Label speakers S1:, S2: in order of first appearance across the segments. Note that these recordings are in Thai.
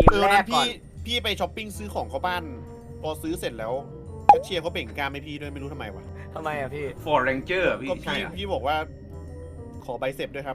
S1: มแร
S2: นั้
S1: ก
S2: น
S1: ก่อน
S2: พี่ไปช้อปปิ้งซื้อของเข้าบ้าน พอซื้อเสร็จแล้วแคชเชียร์เขาเบ่งกล้ามให้พี่ด้วยไม่รู้ทำไมวะ
S1: ทำไมอะพี่
S3: ฟอร์เรนเจอร์พี่
S2: ก็
S3: ใช่
S2: พี่
S3: อะ
S2: พี่บอกว่า ขอใบเสร็จด้วยครับ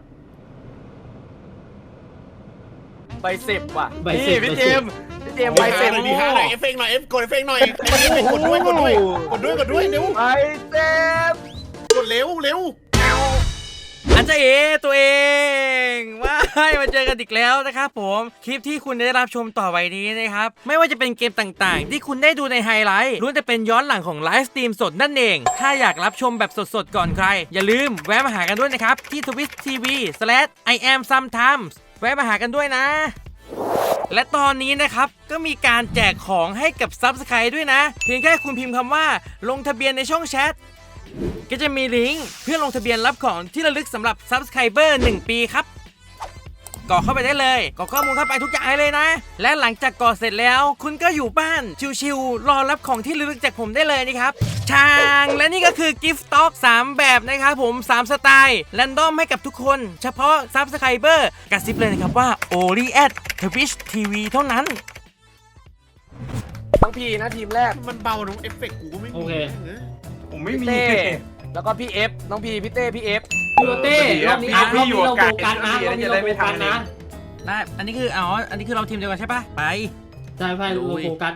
S1: ใบเสร็จว่ะ
S4: ใบเสร็จ
S1: พี่เจมส์ใบเสร็จ
S2: หน่อยดีห้าหน่อยเอฟเฟกต์หน่อยกดเอฟเฟกต์หน่อยกดด้วยเร็ว
S1: ใบเสร็จ
S2: กดเร็ว
S5: อันจะเอตัวเองว้ายมาเจอกันอีกแล้วนะครับผมคลิปที่คุณได้รับชมต่อไปนี้นะครับไม่ว่าจะเป็นเกมต่างๆ ที่คุณได้ดูในไฮไลท์ล้วนแต่เป็นย้อนหลังของไลฟ์สตรีมสดนั่นเองถ้าอยากรับชมแบบสดๆก่อนใครอย่าลืมแวะมาหากันด้วยนะครับที่ twitch.tv/iamsometimes แวะมาหากันด้วยนะ และตอนนี้นะครับก็มีการแจกของให้กับ Subscribe ด้วยนะเพียงแค่คุณพิมพ์คำว่าลงทะเบียนในช่องแชทก็จะมีลิงก์เพื่อลงทะเบียนรับของที่ระลึกสำหรับ Subscriber 1 ปีครับกรอกเข้าไปได้เลยกรอกข้อมูลเข้าไปทุกอย่างเลยนะและหลังจากกรอกเสร็จแล้วคุณก็อยู่บ้านชิวๆรอรับของที่ระลึกจากผมได้เลยนะครับช่างและนี่ก็คือ Gift Stock 3 แบบนะครับผม3 สไตล์แรนดอมให้กับทุกคนเฉพาะ Subscriber กระซิบเลยนะครับว่า Only at Twitch TV เท่านั้น
S1: น้องพีนะทีมแรก
S2: มันเบาตรงเอฟเฟกต์กูก็ไม่มี
S4: โอเค
S3: ผมไม่
S1: พี่
S3: มี
S1: เต้แล้วก็พี่เอฟน้องพีพี่เต้พี่เอฟ
S4: พี่โรเต้รอบนี้
S3: พี่อยู่
S4: เรา
S3: กับ
S4: โฟ
S3: กา
S4: กั
S3: ร
S4: สนะรอบนี้เราโฟกัสนะ
S5: ได้อันนี้คืออันนี้คือเราทีมเดียวกันใช่ปะไป
S4: ใช่ไปเราโฟกัส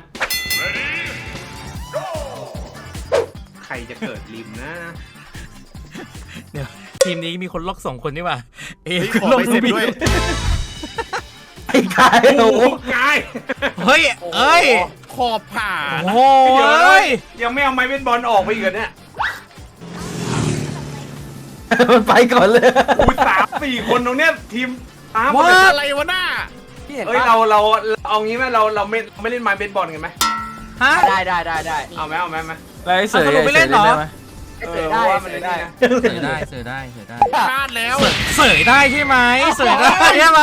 S3: ใครจะเกิดริมนะ
S5: เดี๋ยวทีมนี้มีคนล็อก2 คนนี่หว่าเอ
S2: เฮ้ย
S5: คือ
S2: ขอ
S5: ล็อก
S2: ใบเสร็จด้วย
S3: ไอ้กายโอ้กาย
S5: เฮ้ยเอ้ย
S2: ขอบผ่า
S5: โอ้
S2: นะ
S5: โห
S3: เดี๋ยวนะ
S5: เอ้ย
S3: ยังไม่เอาไม้เบสบอลออกไปอีกเหรอเนี่ย
S6: มันไปก่อนเลย
S3: อุ้ย3-4 คนตรงเนี้ยทีมตาม
S5: ว่า
S2: อะไรวะหน้า
S1: พี่เห็น
S3: เอ้ย
S1: ปะ
S3: เราเอางี้ไหมเราไม่เล่นไม้เบสบอลกันไหม
S5: ฮะ
S1: ได้
S3: เอาไหมไหม
S6: ไรเสย
S5: เอาสรุปไปเล่นเหรอ
S1: เสร็จได้
S3: ว่ามัน
S1: เสร็จ
S3: ได้
S1: ได้
S5: เสือได้เสือได้
S2: พลาดแล้ว
S5: เสยได้ใช่ไหมเสยได้ใช่ไหม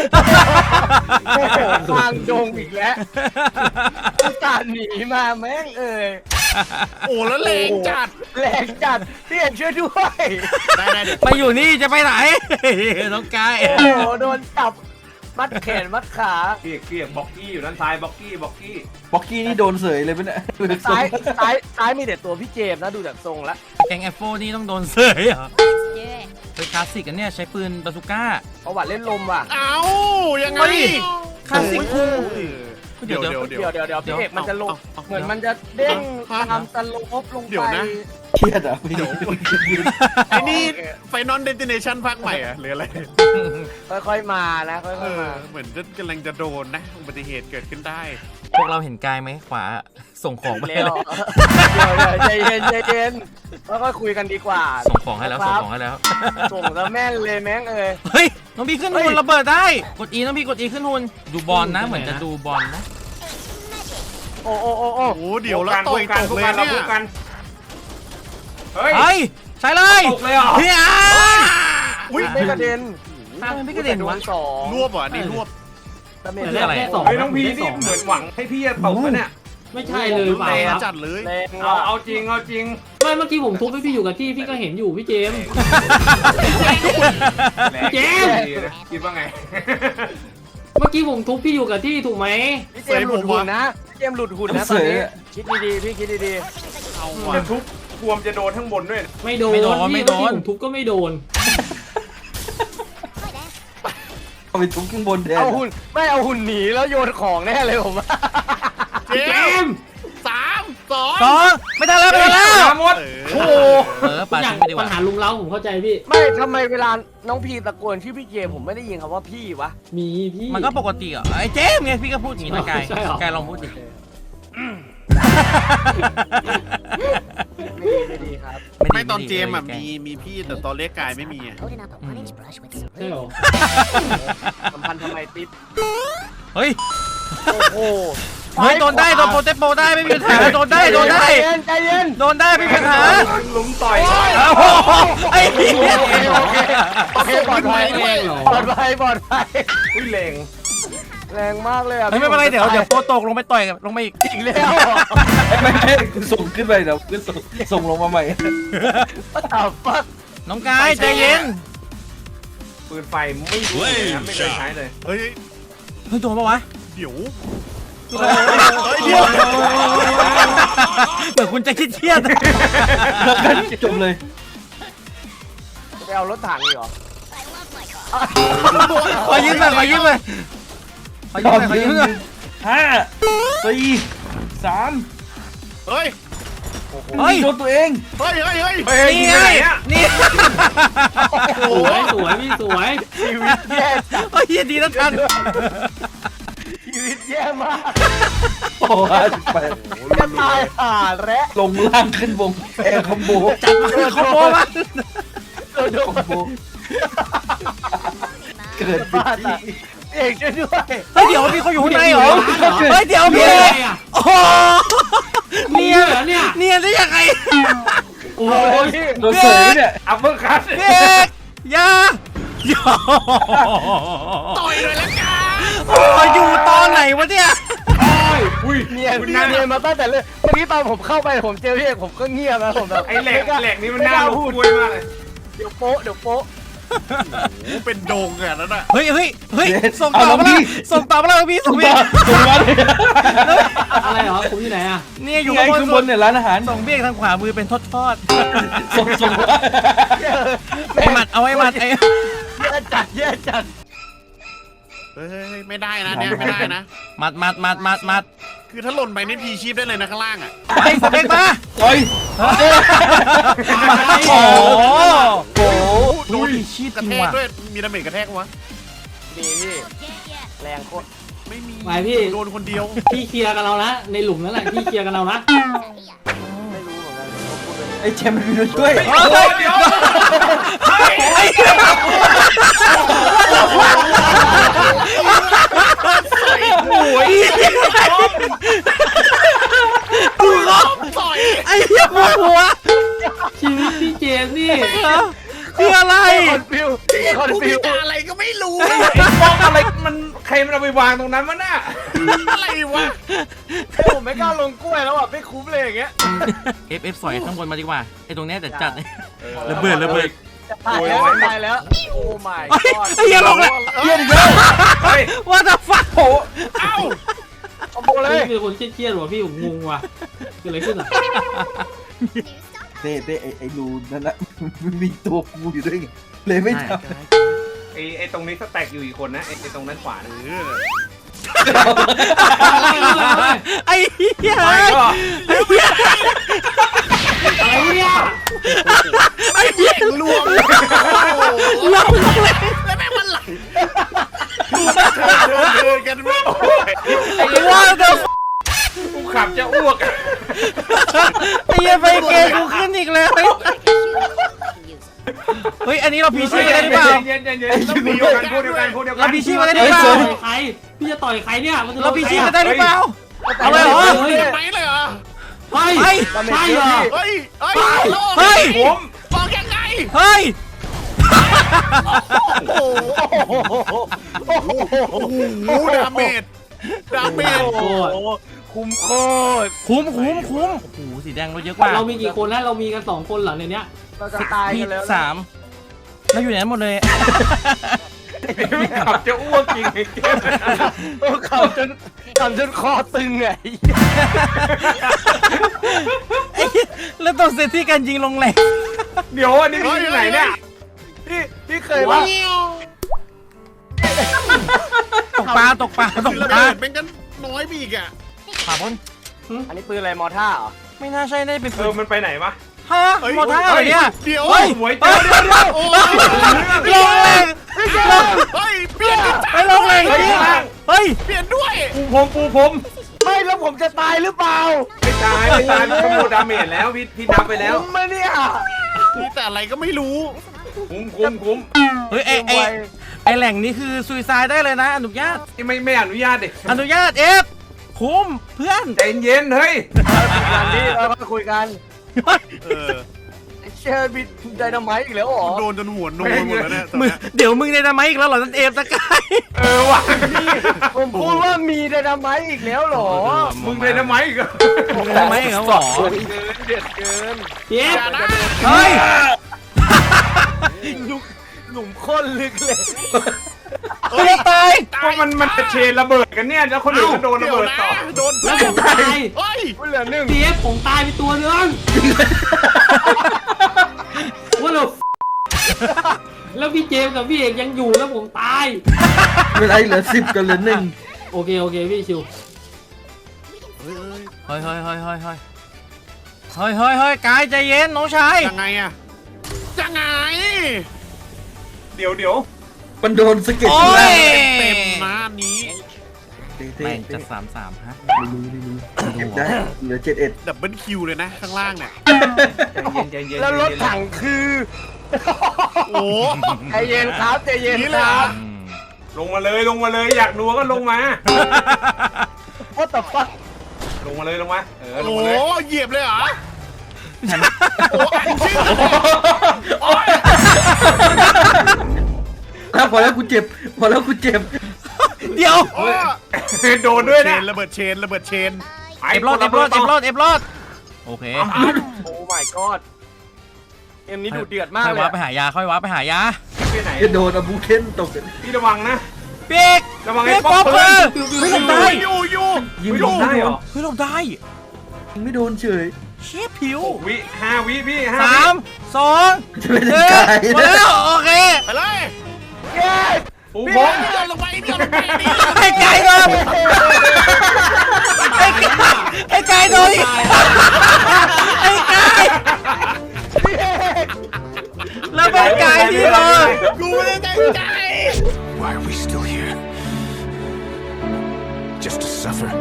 S1: ทางดงอีกแล้วการหนีมาแม่งเอ่ย
S2: โอ้แล้วแรงจัด
S1: แรงจัดพี่เห็นช่วยด้วย
S2: ได้เดี๋ยว
S5: ไปอยู่นี่จะไปไหนน้องกาย
S1: โอ้โหโดนจับมัดแขนมัดขา
S3: เกลียกบ็อกกี้อยู่ด้านซ้ายบ็อกกี้
S6: บ็อกกี้นี่โดนเสยเลยปะเนี่ย
S1: ซ้ายมีแต่ตัวพี่เจมส์นะดูจากทรงแล้ว
S5: แกงแอฟโฟนี่ต้องโดนเสยเหรอเป็นคลาสสิกกันเนี่ยใช้ปืนบาซูก้า
S1: ประวัติเล่นลมว่ะ
S2: เอ้ายังไง
S5: เฮ้ย คลาสสิกคู่
S2: เดี๋ยว
S1: เดี๋ยวพี่เอกมันจะลงเหมือนมันจะเด้งตามสโลปลง
S2: เดี๋ยว
S1: ไป
S2: นะ
S6: เครียดอ่ะ
S2: เดี๋ยวไอ้นี่ไฟนอลเดติเนชันภาคใหม่อะหรืออะไร
S1: ค่อยๆมานะค่
S2: เอ
S1: อยๆ
S2: อ
S1: มา
S2: เหมือนจะกำลังจะโดนนะอุบัติเหตุเกิดขึ้นได้
S5: พวกเราเห็นกายไหมขวาส่งของไป
S1: เร็ว
S5: เลย
S1: ใจเย็นค่อยๆคุยกันดีกว่า
S5: ส่งของให้แล้วส่งของให้แล้ว
S1: ส่งแล้วแม่นเลยแม่งเอ่ย
S5: เฮ้ยน้องพี่ขึ้นหุ่นระเบิดได้กด E น้องพี่กด E ขึ้นหุ่นดูบอลนะเหมือนจะดูบอลนะ
S1: โอ้
S2: โอ้โหเดี๋ยวแล้วต่อยตกเลย
S3: เรา
S2: เนี่
S3: พู
S2: ย
S3: ดกันเฮ้ย
S5: เฮ้ยใช่เลย
S3: ตกเลยเหรอ
S5: เฮีย
S2: อุ้ย
S1: ไม่กระเด็น
S5: ไม่กระเด็นวะ
S1: สอง
S2: รวบเหรอนี่รวบ
S1: ดาเมจ
S4: แต่แรกแค่สอง
S3: เฮ้ยน้องพีนี่เหมือนหวังให้พี่จะตกนะเนี่ย
S4: ไม่ใช่เลยเปล่า
S2: แรง
S4: ครับ
S2: จัดเลย
S1: แรง
S3: เอาจริง
S4: ไม่เมื่อกี้ผมทุบให้พี่อยู่กับที่พี่ก็เห็นอยู่พี่เจมส์ เจมส์
S3: คิดว่าไง
S4: เมื่อกี้ผมทุบพี่อยู่กับที่ถูกไหม
S1: พี่เจมส์หลุดหุ่นนะพี่เจมส์หลุดหุ่นนะตอนนี้คิดดีๆพี่คิดดี
S2: เอาว่ะ
S3: จะทุบกวมจะโดนทั้งบนด้วย
S4: ไม่โดนพี่เมื่อกี้ผมทุบก็ไม่โดน
S6: เอาไปทุบข้างบนแท
S1: ๆ
S6: น
S1: เอาหุ่นไม่เอาหุ่นหนีแล้วโยนของแน่เลยผมว่า
S2: เจ
S4: เจ
S2: ม
S4: มส์
S5: 2ไม่ทันแล้วไม่ทันแล้ว
S3: มาหมด
S2: โอ้
S5: ปา
S4: อย่าง
S5: ทิ้งไปดีก
S4: ปัญ
S5: ว่า
S4: หาลุงเล้าผมเข้าใจพี่
S1: ไม่ทำไมเวลาน้องพีตะโกนชื่อพี่เจมส์ผมไม่ได้ยินคำว่าพี่วะ
S4: มีพี่
S5: มันก็ปกติอ่ะไอ้เจมส์ไงพี่ก็พูดอย่างนี้นะกาย
S4: ใช่เหรอ
S5: กายลองพูดดิ
S1: ไม่ดีครับ
S2: ไม่ตอนเจมอ่ะมีพี่แต่ตอนเล็กกายไม่มีอ่ะ
S7: Holding up a orange brush with some
S4: ใช่เหรอ
S1: สัมพันธ์ทำไมติด
S5: เฮ้ย
S1: โอ้โห
S5: เฮ้ยโดนได้โดนโปรเตโปได้ไม่มีปัญหาโดนได้โดนได้
S1: ใจเย็น
S5: โดนได้ไม่มีปัญหา
S3: หลุมต่อย
S5: โอ้โหไอ้เหี้ย
S1: โอเคปลอดภัย
S4: แรงเหรอ
S1: ปลอดภัยปลอดภัย
S3: อุ้ยแรง
S1: แรงมากเลยอ่ะ
S5: เฮ้ยไม่เป็นไรเดี๋ยวโปรตกลงไปต่อยลงมาอีก
S1: อีกแล้ว
S6: ไม่ใช่ส่งขึ้นไปเดี๋ยวขึ้นส่งลงมาใหม่
S1: อ้าวฟัก
S5: น้องกายใจเย็น
S3: ปืนไฟไม่รู้เลยนะไม่เคยใช้เลย
S2: เฮ้ย
S5: เฮ้ยโดนปะวะ
S2: เดี๋ยว
S5: เหมือนคุณจะเครียด
S6: จบเลย
S1: ไปเอารถถังอีกเหรอ
S5: ขอยืมหน่อยขอยืมหน่อยขอยืมหน่อยขอยืมหน่อย
S6: 5 4 3
S2: เฮ้ย
S5: เฮ้ย
S6: โดนตัวเอง
S2: เฮ้ยเฮ้ยเฮ้ย
S5: นี่ไงนี่
S4: สวยสวยพี่สวย
S1: ชีวิตแย่จัด
S5: โอ้ยดีนะทัน
S1: ชีวิตแย่มาก
S6: โอ้58
S1: จะตายห่าและ
S6: ลงล่างขึ้นวงแอร์คอมโบ
S5: จัดมาคอมโบมา
S1: โดน
S6: คอมโบเกิดผิด
S1: บ้า
S6: ที่
S1: ตายเอกช่วยด้วย
S5: เฮ้ยเดี๋ยวมีคนอยู่ข้างในเหรอเฮ้ยเดี๋ยวพี่
S4: อะไรอ่ะ
S5: โอ้โห
S4: เนี่
S5: เนี่ย
S4: ยเนี่ย
S5: เนี่ยได้ยังไง
S6: โอ้ยโดนเสยเนี่ยอัปเปอร์คัต
S5: พี่เอกอย่าอย่า
S2: ต่อยเลยละกัน
S5: โอ้ยอยู่ตอนไหนวะเนี่ย
S1: เนียนมาตั้งแต่เลยเมื่อกี้ตอนผมเข้าไปผมเจอพี่เอกผมก็เงียบนะผมแบบ
S3: ไอ้แหลกนี่มันน่ารู้กล้วยมากเลย
S1: เดี๋ยวโป๊ะเดี๋ยวโป๊ะ
S2: โอ้เป็นโดงอะนั่นน่ะ
S5: เฮ้ยเฮ้ยเฮ้ยส่งต่อมาแล้วส่งต่อมาแล้วพี่ส่งพี่
S6: ส่งมาเลย
S4: อะไรเหรอผมอยู่ไหนอ่ะ
S5: เนี่ยอยู่
S6: ไง
S5: ข้าง
S6: ข้าง
S5: บบ น
S6: นเนี่ยร้านอาหาร
S5: ส่งเบี้ยทางขวามือเป็นทอด
S6: ส่งมา
S5: ๆไอ้หมัดเอาไอ้หมัดไอ้
S1: แย่จัด
S2: เฮ้ยไม่ได้นะเนี่ยไม่ได้นะ
S5: หมัด
S2: คือถ้าหล่นไปนี่พีชีพได้เลยนะข้างล่างอ่ะ
S5: ไปสเปกมา
S6: โอ้ย
S5: โอ้โห
S6: โอ้
S5: ดูดิชีพ
S2: กระ
S5: จริง
S2: แทก
S5: ว่ะ
S2: ด้วยมีดาเมจกระแทกวะ
S1: ดีพี่แรงโคตร
S2: ไม่มี
S4: ไปพี่
S2: โดนคนเดียว
S4: พี่เคลียร์กันเรานะในหลุมนั่นแหละพี่เคลียร์กันเรานะ
S1: ไม่รู้เหมือนกันผมพูดไป
S6: ไอ้แชมป์มันมีด้วยช่วย
S5: เฮ้ย
S3: เดี๋ยว
S5: ไอ้โอ้ยดูเขา
S2: ต่อย
S5: ไอ้เหี้ยปวดหัว
S4: ชีวิตพี่เจมส์นี่
S5: คืออะไร
S1: คอนฟิวคอน
S2: กู
S1: ฟิ
S2: มี
S1: ว
S2: ตาอะไรก็ไม่รู้
S3: มองอะไรมันใครมันเอาไปวางตรงนั้นวะน่ะ
S2: อะไรวะ
S1: ผมไม่กล้าลงกล้วยแล้วอ่ะไม่คุ้มเลยอย่างเงี้ย
S5: F สอยข้างบนมาดีกว่าไอ้ตรงเนี้ยแต่จัดระเบิด
S1: จะตายแล้วตายแล้วโอ้ my
S5: ไอ้
S1: god
S5: เหี้ยลงแล้ว
S6: เยี่ยมอีกแล้ว
S3: เฮ้ย
S5: ว่าจะฟัก
S6: โอ้
S2: เอ้า
S1: คอมโบเลย
S4: พี่เป็นคนเครียดๆว่ะพี่ผมงงว่ะเกิดอะไรขึ้นอ่ะ
S6: เต้ไอ้รูนั่นนะมันมีตัวกูอยู่ด้วยไงเลยไม่ท
S3: ไอ้ตรงนี้สแต็กอยู่อีกคนนะไอ้ตรงนั้นขวานะ
S5: ไอ้เหี้ย
S3: ไปก็
S4: อะไรเนี่ย
S5: ไอ้เหี้ย
S2: ลวง
S5: ลงเลย
S2: แล้วแม่งมันไหลเดินกันไม่
S5: ไอ้ว่าจะ
S3: กูขับจะอ้วก
S5: ไอ้เหี้ยไปเกมกูขึ้นอีกแล้วเฮ้ยอันนี้เราพีชีพกันได้หรือเปล่า
S3: เย็นพูดเดียวกันพูดเดียวกันพูดเดียวกัน
S5: เราพีชีพกันได้ห
S4: ต่
S5: รือเปล่า
S4: อยใครพี่จะต่อยใครเนี่ยมันจะ
S5: เราพีชีพกันได้หรือเปล่าเอาเลยเหรอ
S2: ไปเลยเหรอ
S4: เฮ้ย
S5: เฮ้ย
S4: ใช่เหรอ
S2: เฮ้ยเฮ้ย
S5: เฮ้ย
S3: ผม
S2: บอกยังไง
S5: เฮ้ย
S2: โอ้โหดาเมจ
S1: โอ้คุ้มโคตร
S5: คุ้มโอ้โหสีแดงเราเยอะกว่า
S4: เรามีกี่คนนะเรามีกัน2คนเหรอในเนี้ย
S1: เราจะตาย
S5: พี่
S1: กันแล้ว
S5: 3เราอยู่ไหนหมดเลย
S3: ขับจะอ้วกจริงไอ้เกม
S1: โอ้ขำจนคอตึงไง
S5: ไอ้เหี้ยแล้วต้องเซตที่การยิงลงแหลก
S3: เดี๋ยวอันนี้พี่ที่ไหนเนี่ย
S1: พี่เคยว่า
S5: ตกปลา
S2: คือระเบิดเป็นกันน้อยไปอีกอ่ะ
S5: ขวาบน
S1: อันนี้ปืนอะไรมอท่าเหรอ
S5: ไม่น่าใช่น่าจะเป็น
S3: เอ
S5: ปื
S3: อน มันไปไหนวะ
S5: ฮะหมดท่าเลยเนี่ย
S2: เดี๋ยว
S5: เฮ้ย
S3: หวยเจ้าเดี๋ยว
S2: โอ้
S5: ลงแรง
S2: เฮ้ยเปลี่ยนกันจ้า
S5: ไปลงแรงจริงเฮ้ย
S2: เปลี่ยนด้วย
S3: ปูผม
S1: ไม่แล้วผมจะตายหรือเปล่า
S3: ไม่ตายมันขโมยดาเมจแล้วพี่นับไปแล้ว
S1: คุ้มไหมเนี่ย
S2: นี่แต่อะไรก็ไม่รู้
S3: คุ้ม
S5: เฮ้ยไอแหล่งนี้คือซุยซายได้เลยนะอนุญาต
S3: ไม่อนุญาตดิ
S5: อนุญาตเอฟคุ้มเพื่อน
S3: ใจเย็นเฮ้ย
S1: กันนี้เราก็คุยกัน
S2: เออ
S1: เชอร์บิดไดนาไมต์อีกแล้วเหรอ
S2: โดนจนหัวโนหมดแล้วเนี่ยตอน
S5: มึง
S2: เนี้ย
S5: เดี๋ยวมึงในทำไมอีกแล้วเหรอนั่นเอฟตะกาย
S3: เออว่ะ
S1: ผมพูดว่ามีไดนาไมต์อีกแล้วเหรอ
S3: มึงเลยทำไมอีกอะ
S5: มึงในทำไมอีกแล้วเหรอ
S1: เดือดเกิน
S4: เจ็บ
S2: อย่านะ
S5: เฮ้ย
S1: หนุ่มข้นลึกเลย
S5: กูจะตาย
S3: เพราะมันจะเชนระเบิดกันเนี่ยแล้วคนอื่นก็โดนระเบิดต่อ
S2: โดน
S4: แล้วผมตาย
S2: เฮ้ย
S1: กูเหลือหนึ่ง
S4: เจฟผมตายไปตัวนึงว่าเราแล้วพี่เจมส์กับพี่เอกยังอยู่แล้วผมตาย
S6: เวลาเหลือ10กับเหลือ1
S4: โอเคพี่ชิว
S5: เฮ้ยกายใจเย็นน้องชาย
S2: ยังไงอะยังไง
S3: เดี๋ยว
S6: มันโดนสะเก็ด
S5: โอ้
S6: ข้างล่าง
S5: ย
S2: เต็มหน้านี้
S6: เต้
S5: แม่ง
S6: เต้
S5: จะ3-3ฮะ
S6: ไม่รู้เก็บได้เหลือ71
S2: ดับเบิลคิวเลยนะข้างล่างเนี่ย
S3: ใจเย็น
S1: แล้วรถถังคือ
S2: โอ้
S1: ใจเย็นครับใจเย็น
S2: นี่
S1: ค
S2: เลย
S1: รั
S2: อ่ะ
S1: บ
S3: ลงมาเลยอยากดูก็ลงมา
S1: What the fuck
S3: ลงมาเลยลงมาล
S2: โอ้
S3: งมาเลย
S2: เหยียบเลยเหรอโอ้อันชื่อโอ้ย
S6: แล้วพอแล้วกูเจ็บ
S5: เดี๋ยว
S2: โอ้ย
S3: โดนด้วย
S2: เช
S3: นะ
S2: นระเบิดเชน
S5: เอฟรอดโอเค
S1: โอ้ my god เกมนี้ดูเดือดมาก
S5: ค่อย
S1: เลย
S5: ว้าไปหายา
S3: ไปไหน
S6: จะโดนอาบูเคนตก
S3: พี่ระวังนะ
S5: ปีก
S3: ระวังไอ้
S5: ปีก
S3: ป๊
S5: ป๊
S3: อ
S5: อ
S3: ป
S5: ป
S3: เป
S5: เป
S3: อ
S5: อ
S3: ร์
S5: ร์ไม่หลบได้
S2: อยู่
S6: ยิง
S3: ลงได้เหรอ
S5: เฮ้ยหลบได้
S6: ไม่โดนเฉย
S5: เชี่ยผิว
S3: 5 วิพี่5
S5: 3 2
S6: จะไม่
S5: 1
S6: ได้ไกล
S5: หมดแล้วโอเค
S2: ไปเลย
S1: เย้
S3: ปูบ
S2: พี่
S3: ก
S2: เดินลงไปนี่
S5: ให้ไก่ก่อนให้ไก่โดนอีกให้ไก่แล้วเป็นไก่ที่เลย
S2: กูไม่ได้ตั้งใจ
S7: Why are we still here? Just to suffer.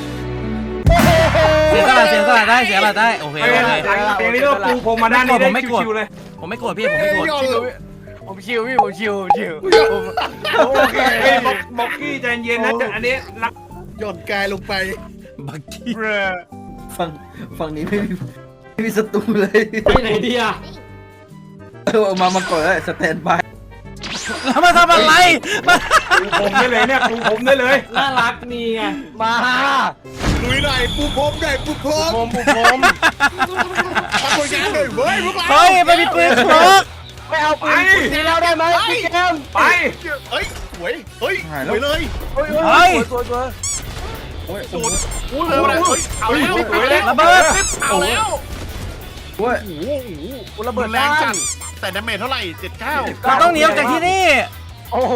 S5: เสียสละได้โอเค
S3: เตียงนี้ก็ปูพรมมาด้านนี้ได้ชิวๆเลย
S5: ผมไม่โกรธพี่ผมไม่โกรธ
S1: ผมชิวพี่ผมชิวโอเค
S3: เฮ้ยบ็อกกี้ใจเย็นนะอันนี้รัก
S2: หย่อนกายลงไป
S5: บักกี้
S6: ฝั่งนี้ไม่มีศัตรูเลย
S4: ไปไหนดีอะ
S6: เอามาก่อนแล้วสแตนบาย
S5: แล้วมาทำอะไรมา
S3: ปูผมได้เลยเนี่ยปูผมได้เลย
S4: น่ารักนี่ไง
S1: มา
S2: ลุยหน่อยปูพรมหน่อยปูพรม
S1: ผม
S2: ทำผลงานหน่อยเว้ยพวกเรา
S5: เฮ้ยไปมีปืนครก
S1: ไม่เอาปืนทีแล้วได้ไหมพี่เกม
S3: ไป
S2: เฮ้ยสวยเฮ้ยสวยเลย
S1: เฮ้ยสวย
S2: สุดอู้เลยเอาแล้ว
S5: ระเบิด
S2: เอาแล้ว
S6: โอ้ย
S2: โอ้โหระเบิดแรงจัดแต่ดาเมจเท่าไหร่79
S5: เราต้องหนีออกจากที่นี่
S1: โอ้โห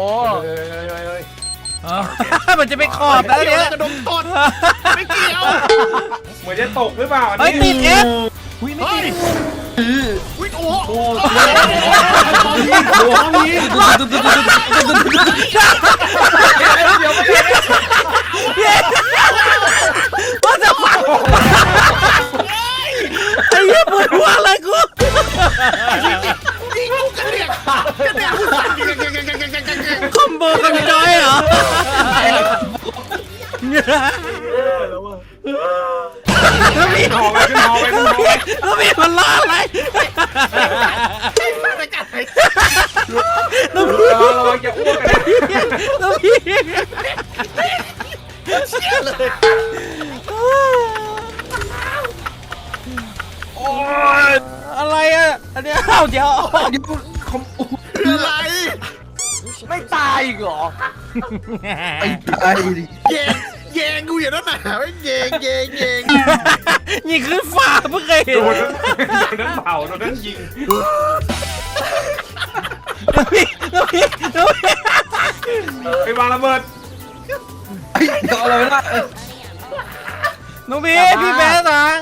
S5: มันจะไปขอบแล้วเนี่ย
S2: กระดมตดไม่เกี่ยว
S3: เหมือนจะตกหรือเปล่าอัน
S5: เฮ้ย
S3: นี้
S5: ติดเอฟอุ้ยไม่
S2: เฮ้ย
S5: ติด
S2: อุ้ยโอ้โห
S5: ว่าจะฝังไอ้เหี้ยปวดหัวเลยกู
S2: ยิงลูกกระเดียกผู้สั่นยิง
S5: คอมโบกันจอยเหรอแล้วมี
S3: หอไปขึ้นหอไป
S5: แล้วมีมันล่าอะไรแล้วพี่
S3: ระวังจะอ้วกกันนะ
S5: แล้วพี่อะไรอ่ะอันเนี้ยเอ้าเดี๋ยว
S2: อะไร
S1: ไม่ตายอีกเหรอ
S6: ไอ้ตายดิ
S2: แยงกูอย่างนั้นหนาแยง
S5: นี่คือฝ่าเพิ่งเคยเห็น
S3: โดนนั้นเผาโดนนั้นยิง ไปวางระเบิด
S6: ไอ้เดี๋ยวอะไรไม่ได้
S5: น้องพี่พี่แพ้สัง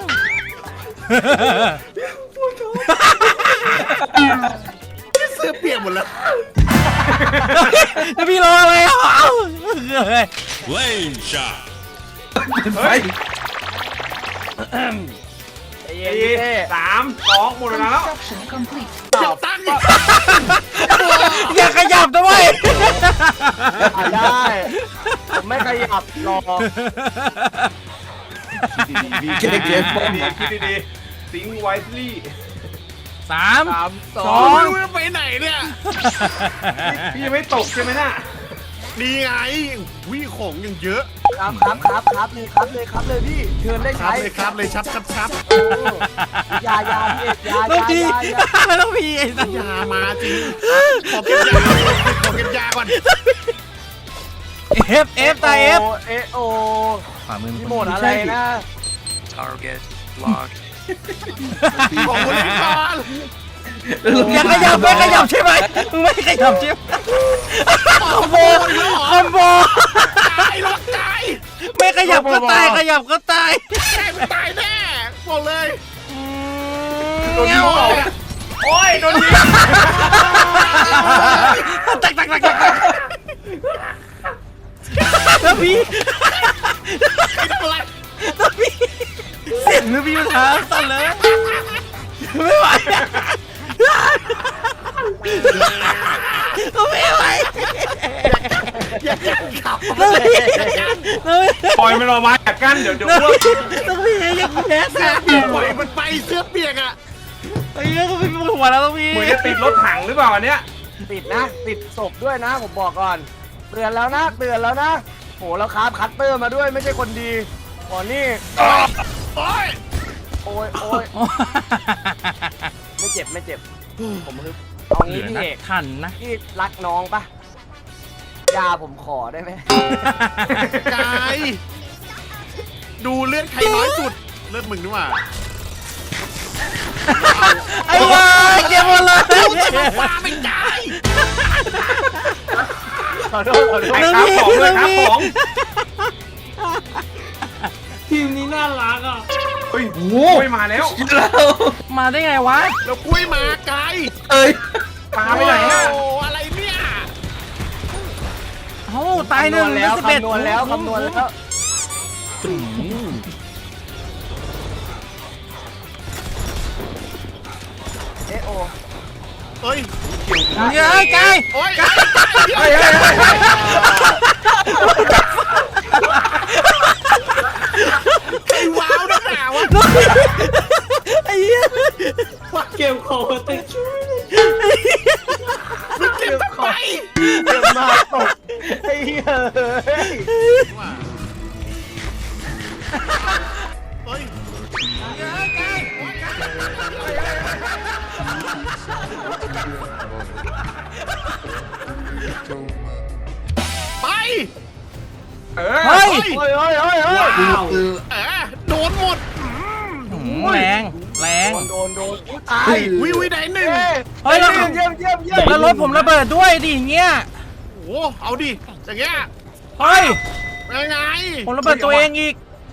S2: เสื้อเปียกหมดแล้ว
S5: แล้วพี่รออะไรอ่ะ
S7: Lane shot.
S6: ไฟ
S1: เย็นพี่เต้
S3: 3 2หมดเวลาแล้ว
S2: เดี๋ยวตั้งอีก
S5: อย่าขยับด้วย
S1: ได้ ผมไม่ขยับรอ
S6: เก็บเก็บป้อม
S3: คิดดีๆสิงไวส์ลี่
S5: 3
S1: 3
S5: สอง
S2: ไม่รู้จะไปไหนเนี่ย
S3: พี่ยังไม่ตกใช่ไหมน่ะ
S2: นี่ไงวิของยังเยอะ
S1: ครับเลยพี่เชิญได้
S2: ครั
S1: ใช้
S2: บเลยครับเลยชับ
S1: โอ้ยาพี่เอกยา
S5: ต้องพี
S1: ยา
S5: ต้องพีไอ้สัส
S2: ยามาจริงขอเก็บยาขอเก็บยาก่อน
S5: F ตาย F
S1: โอ
S5: ขวามือ
S1: พี่โหมดอะไรนะ
S7: Target locked.
S2: ของคนนี้ก่อน
S5: อย่าขยับไม่ขยับใช่ไหมไม่ขยับใช่ไหมคอมโบคอมโบ
S2: ตายรถตาย
S5: ไม่ขยับก็ตายขยับก็ตาย
S2: แม่มันตายแน่บอกเลย
S5: เงี้ย
S1: โอ้ยโดนยิง
S5: ตักแล้วพี่
S2: อะไร
S5: แล้วพี่เสียงมือพี่มันหาสั่นเลยไม่ไหวก็ไม่ไหว
S2: อย่าขับ
S5: แล้วพี่แล้วพี่
S3: ปล่อยมันออกมาจากกันเดี๋ยว
S5: แล้ว
S3: อ้วก
S5: พี่แล้วพี่ยังแพ้แซ่บอยู่
S2: ปล่อยมันไปเสื้อเปียกอ่ะ
S5: ไอ้เงี้ยก็พี่ปวดหัวแล้วพี่
S3: เหมือนจะติดรถถังหรือเปล่าอันเนี้ย
S1: ติดนะติดศพด้วยนะผมบอกก่อนเตือนแล้วนะโหแล้วครับคัตเตอร์มาด้วยไม่ใช่คนดีก่อนนี่
S2: โอ้ย
S1: โอ้ยไม่เจ็บผมฮึบเอางี้พี่เอก
S5: ทันนะ
S1: พี่รักน้องปะยาผมขอได้ไหม
S2: กายดูเลือดใครน้อยสุดเลือดมึงนี่หว่า
S5: ไอ้วายเจ็บหมดเลย
S2: ฟ้าไม่ตาย
S1: ขอโทษ
S3: ไอ้ครับของเลยครับของ
S4: ทีมนี้น่ารักอ่ะ
S3: เฮ้ยโอ้ยมาแล้ว
S5: มาได้ไงวะ
S2: แล้วกุ้ยมาไกล
S6: เอ้ย
S3: ปลาไปไหนอะ
S2: โอ้อะไรเนี่ย
S5: เอ้าตายหนึ่ง
S1: แล้ว
S5: 11
S1: คำนวณแล้วเอะโอ
S2: เฮ้ย
S5: เยอะไกล
S2: โอ้ย
S3: เฮ้ย
S2: ไอ้ว้าวนักหนาวะ
S5: ไอ้เหี้ย
S4: เก็บของมาติดช่วย
S2: มันเก็บทำไม
S1: เกิดมาตกไอ้เหี้ยเฮ้ย
S2: เฮ้ยไป
S3: เอ
S5: เฮ้ย
S1: เฮ้ย
S2: ว้าว โดนหมด
S5: แรงแรง
S1: โดนตาย
S2: วิได้หนึ่ง
S5: เฮ้ยแล้ว
S1: เยี่ยม
S5: แล้วรถผมระเบิดด้วยดิอย่างเงี้ย
S2: โอ้เอาดิอย่างเงี้ย
S5: เฮ้ย
S2: ยังไง
S5: ผมระเบิดตัวเองอีก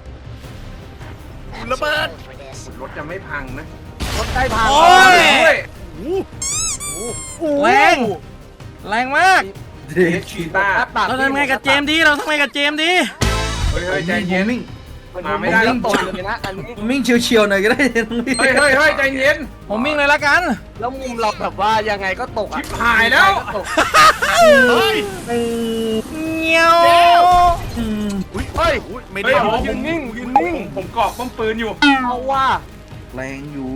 S2: ระเบิด
S3: รถจะไม่พังนะ
S1: รถใกล้พัง
S5: โอ้ย
S3: ด้วย
S5: แรงแรงมาก
S6: เด็ก
S3: ชีต้า
S5: เราทำไงกับเจมส์ดีเราทำไงกับเจมส์ดี
S3: เฮ้ยใจเย็น
S6: มิ่ง
S3: มาไม่ได้
S1: แล้
S3: แล้ว ว
S1: ตกเลยนะอันนี้
S6: มิ่งเฉียวๆหน่อยก็ได้น้องพี่
S3: เฮ้ยใจเย็น
S5: ผมวิ่งเลยละกัน
S1: แล้วมุมเราแบบว่ายังไงก็ตกอ่ะ
S3: หายแล้ว
S1: ตก
S2: เฮ้ย
S5: เงี้ยว
S1: เฮ้ย
S2: ไม่
S3: เฮ้
S2: ได้
S3: ย
S1: ยืนนิ่ง
S3: ผมเกาะป้อมปืนอยู่
S1: เอาว่า
S6: แรงอยู่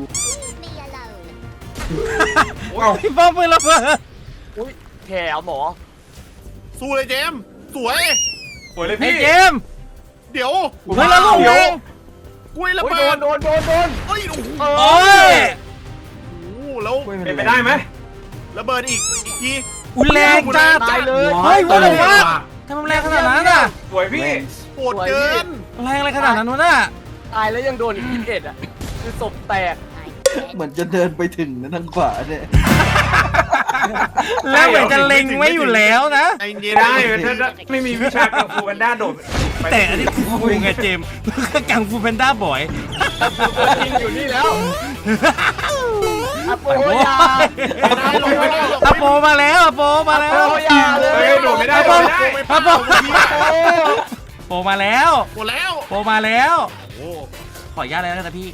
S5: พี่ป้อมปืนระเบิด
S1: อุ้ยแถวหมอ
S2: สู้เลยเจมส์สวย
S3: สวยเลย
S5: ไอ้
S3: พี่
S5: เจมส์
S2: เดี๋ยว
S5: เฮ้ยแล้วลงเอง
S2: กุ้ยระ
S1: โอ้ย
S2: เบิด
S1: โดน
S2: เฮ้ยโอ้โห
S5: โอ้ย
S2: แล้ว
S3: เป็นไปได้ไหม
S2: ระเบิดอีกที
S5: อุ้ยแรงจ้า
S1: ตายเลย
S5: เฮ้ยว่าแต่ว่าทำไมแรงขนาดนั้นอ่ะ
S3: สวยพี่
S2: โหดเกิน
S5: แรงอะไรขนาดนั้นวะน่ะ
S1: ตายแล้วยังโดนอีก21อ่ะคือศพแตก
S6: เหมือนจะเดินไปถึงนะทางขวาเนี่ย
S5: แล้วเหมือนจะเล็งไว้อยู่แล้วนะ
S2: ไอ้เย็น
S3: ได้ถ้าไม่มีวิชากังฟูกันด้าโดดไป
S5: แต่อันนี้คือฟูไงเจมส์กังฟูแพนด้าบ่อย
S1: จริงอยู่นี่แล้วอโปยา
S5: อโปมาแล้วอโปมาแล้ว
S1: อโปยาเลย
S3: เฮ้ยโดดไม่ได้โดดไม่ได้
S5: อโปโปมาแล้ว
S2: หมดแล้ว
S5: โปมาแล้ว
S2: โอ้
S5: ขออนุญาตเลยนะพี่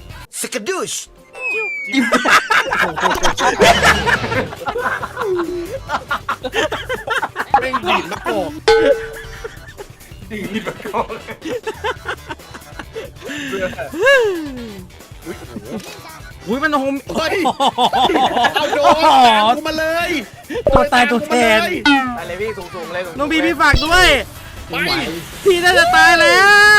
S2: เร่งดีดมะกอก
S3: ดีแบบเขาเลย
S2: โ
S5: อุ้ยมันโฮม
S2: เฮ้ย เอาโดนตามกูมาเลย
S5: ตัวตายตัวแทน
S1: ไปเลยพี่สูงๆเลยสูงๆ
S5: น้องบีพี่ฝากด้วย
S2: ไป
S5: พี่น่าจะตายแล้ว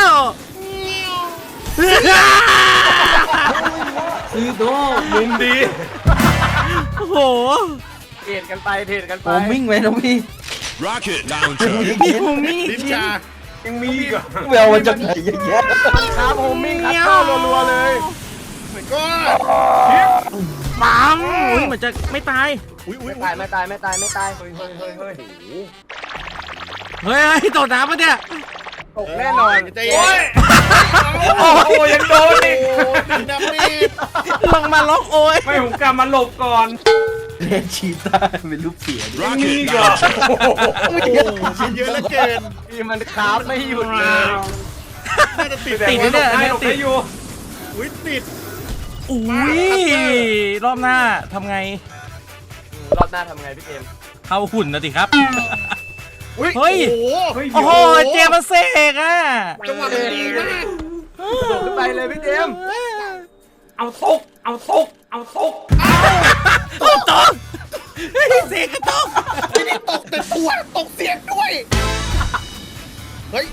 S4: ซื้อโด
S1: มุมดี
S5: โอ้โห
S1: เทรดกันไปเทรดกันไป
S6: ผมวิ่งไว้น้องพี่
S7: Rocket launcher.
S5: พี่โฮมมี่
S2: ลิ้น
S5: จริง
S2: ชา
S1: ยังมีอีกเหรอ
S6: แววมาจากไหนเยอะแยะ
S1: มันครับโฮมมิ่งคัตเตอร์รัวๆเลย
S2: ก็
S5: ปังอุ้ยเหมือนจะไม่ตาย
S2: อุ้ยอุ้ย
S1: ไม่ตายไม่ตายไม่ตายไม่ตายเฮ้ยเฮ้ยเฮ้ยเฮ้ย
S5: เฮ้ยตกน้ำปะเนี่ย
S1: ตกแน่นอน
S2: ใจเย็น
S1: โอ้โหยังโดนอีก
S2: โอ้ยน้ำมีด
S5: ลงมาล็อกโอ้ย
S1: ไม่ผมกลับมาหลบก่อน
S6: เลนชีต้าเป็นรูปเสียดิ
S7: Rocket
S1: ก่อน
S7: launcher.
S2: ชิ้นเยอะเหลือเกิน
S1: พี่มันคราฟไม่หยุดเลย
S2: น่าจะติด
S5: ติดนะเนี่ยอันนี้ติด
S2: อุ้ยติด
S5: อุ้ยรอบหน้าทำไง
S1: รอบหน้าทำไงพี่เจมส์
S5: เข้าหุ่นนะสิครับ
S2: อุ้ย
S5: เฮ้ย
S2: โอ้โห
S5: โอ้โหเจมันเสกอ่ะ
S2: จังหวะมันดีมาก
S1: โดดขึ้นไปเลยพี่เจมส์
S4: เอาตก เอาตก เอาตก
S5: ตกเสกก็ตก
S2: ไม่ได้ตกแต่ตัวตกเสียงด้วย เฮ้ย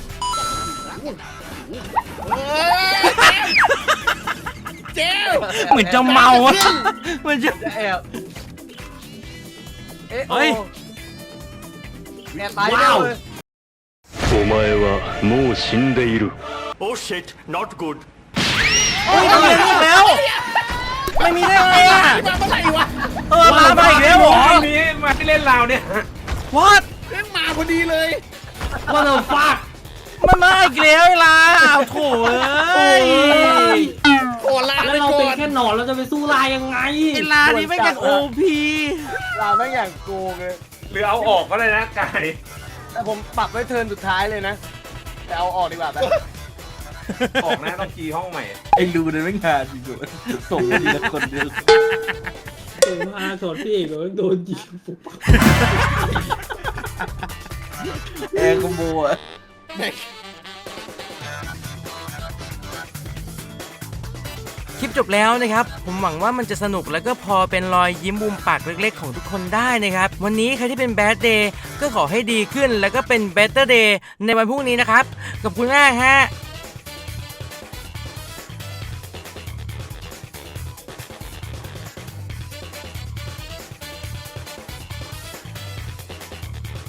S2: เจ๊บ
S5: เหมือนจะเมาอะเหมือนจะ
S1: จะแอบเอ๊ะ
S5: เฮ้ย
S1: แอบตายแล้วเลย
S7: お前はもう死んでいる。Oh shit, not good.
S5: อุ้ยทำไมอีกแล้ว ไม่มีได้ไงอ่ะ
S2: มาเมื่อไหร่วะ
S5: มาอีกแล้วเหรอ
S1: มีมาที่เล่นราวเนี่ย
S5: What
S2: เรื่องมาพอดีเลย
S4: ว่าเราฟาด
S5: มันมาอีกแล้วไอ้ลาเอาโถเอ้ย
S2: โอ้ลา
S4: แล้ว
S2: ไป
S4: เรา
S2: ก่
S4: เป็น
S2: อน
S4: แค่หนอนเราจะไปสู้ลายยังไง
S5: ไอ้ลานี่ไม่จากโอพี
S1: ราวแม่งอย่างโกงเลยหรือเอาออกก็เลยนะไก่แต่ผมปรับไว้เทิร์นสุดท้ายเลยนะ แต่เอาออกดีกว่าแบบ ออกนะต้องคีย์ห้องใหม่
S6: ไอ้รูนั้นไม่งานจริงๆส่งทีละคนเดียว
S4: ผมอาช็อตพี่เอกเลยโดนยิงปุ๊บ
S6: แอร์คอมโบอะ
S5: คลิปจบแล้วนะครับ ผมหวังว่ามันจะสนุกแล้วก็พอเป็นรอยยิ้มมุมปากเล็กๆของทุกคนได้นะครับ วันนี้ใครที่เป็น Bad Day ก็ขอให้ดีขึ้นแล้วก็เป็น Better Day ในวันพรุ่งนี้นะครับขอบคุณมากฮะ